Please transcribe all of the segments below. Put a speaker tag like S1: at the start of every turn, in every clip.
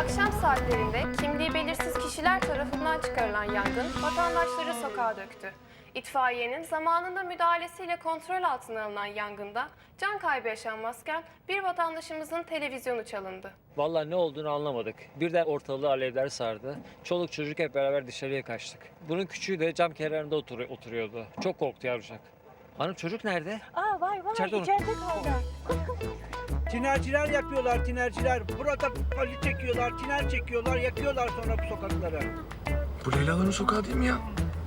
S1: Akşam saatlerinde kimliği belirsiz kişiler tarafından çıkarılan yangın vatandaşları sokağa döktü. İtfaiyenin zamanında müdahalesiyle kontrol altına alınan yangında can kaybı yaşanmazken bir vatandaşımızın televizyonu çalındı.
S2: Vallahi ne olduğunu anlamadık. Birden ortalığı alevler sardı. Çoluk çocuk hep beraber dışarıya kaçtık. Bunun küçüğü de cam kenarında oturuyordu. Çok korktu yavrucak. Hanım çocuk nerede?
S3: Aa var
S2: İçeride
S3: içeride,
S2: onu.
S3: kaldı.
S4: Tinerciler yapıyorlar, tinerciler. Burada pali çekiyorlar, tiner çekiyorlar, yakıyorlar sonra bu sokakları.
S5: Bu Leyla'ların sokağı değil mi ya?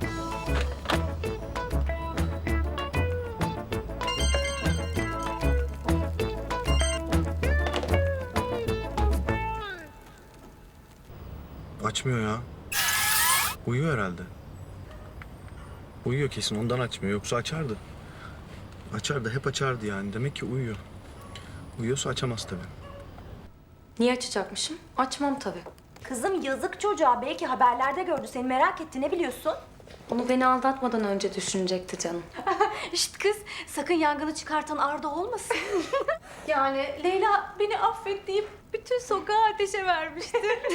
S5: Açmıyor ya. Uyuyor herhalde. Uyuyor kesin, ondan açmıyor. Yoksa açardı. Açardı, hep açardı yani. Demek ki uyuyor. Uyuyorsa açamaz tabii.
S6: Niye açacakmışım? Açmam tabii.
S3: Kızım yazık çocuğa. Belki haberlerde gördü seni, merak etti. Ne biliyorsun?
S6: Onu beni aldatmadan önce düşünecekti canım.
S3: Şşt kız, sakın yangını çıkartan Arda olmasın.
S6: Yani
S3: Leyla beni affet deyip bütün sokağı ateşe vermişti.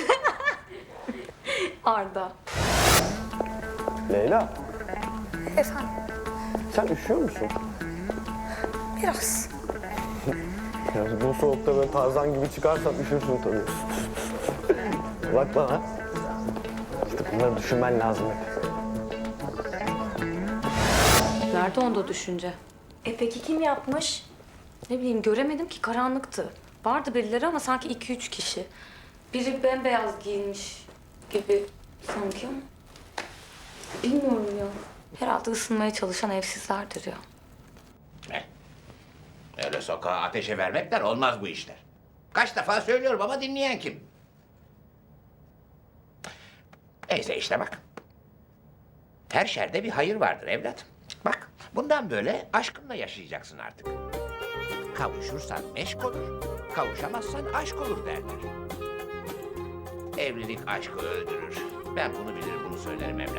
S6: Arda.
S7: Leyla,
S8: Efendim,
S7: sen üşüyor musun?
S8: biraz.
S7: Ya bu soğukta böyle Tarzan gibi çıkarsan üşürsün tabii. Bak bana. İşte bunları düşünmen lazım hep.
S6: Nerede onda düşünce?
S3: Peki kim yapmış?
S6: Ne bileyim göremedim ki karanlıktı. Vardı birileri ama sanki 2-3 kişi. Biri bembeyaz giyinmiş gibi sanki ama. Bilmiyorum ya. Herhalde ısınmaya çalışan evsizlerdir ya.
S9: Öyle sokağa ateşe vermekler olmaz bu işler. Kaç defa söylüyorum ama dinleyen kim? Neyse işte bak. Her şerde bir hayır vardır evlat. Bak bundan böyle aşkınla yaşayacaksın artık. Kavuşursan meşk olur, kavuşamazsan aşk olur derler. Evlilik aşkı öldürür. Ben bunu bilir, bunu söylerim evlat.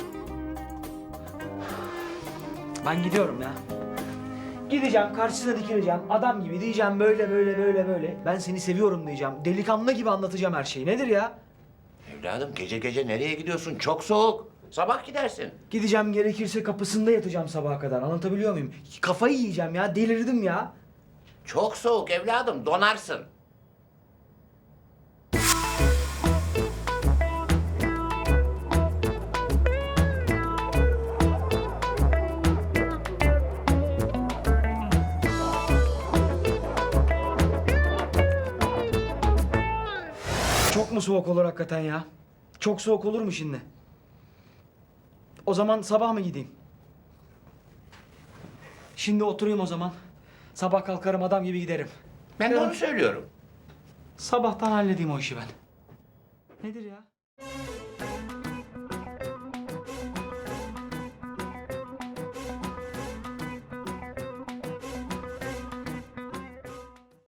S4: Ben gidiyorum ya. Gideceğim, karşısına dikileceğim. Adam gibi diyeceğim böyle böyle böyle böyle. Ben seni seviyorum diyeceğim. Delikanlı gibi anlatacağım her şeyi. Nedir ya?
S9: Evladım gece gece nereye gidiyorsun? Çok soğuk. Sabah gidersin.
S4: Gideceğim, gerekirse kapısında yatacağım sabaha kadar. Anlatabiliyor muyum? Kafayı yiyeceğim ya. Delirdim ya.
S9: Çok soğuk evladım, donarsın.
S4: Çok mu soğuk olur hakikaten ya? Çok soğuk olur mu şimdi? O zaman sabah mı gideyim? Şimdi oturayım o zaman. Sabah kalkarım adam gibi giderim.
S9: Ben de onu söylüyorum.
S4: Sabahtan halledeyim o işi ben. Nedir ya?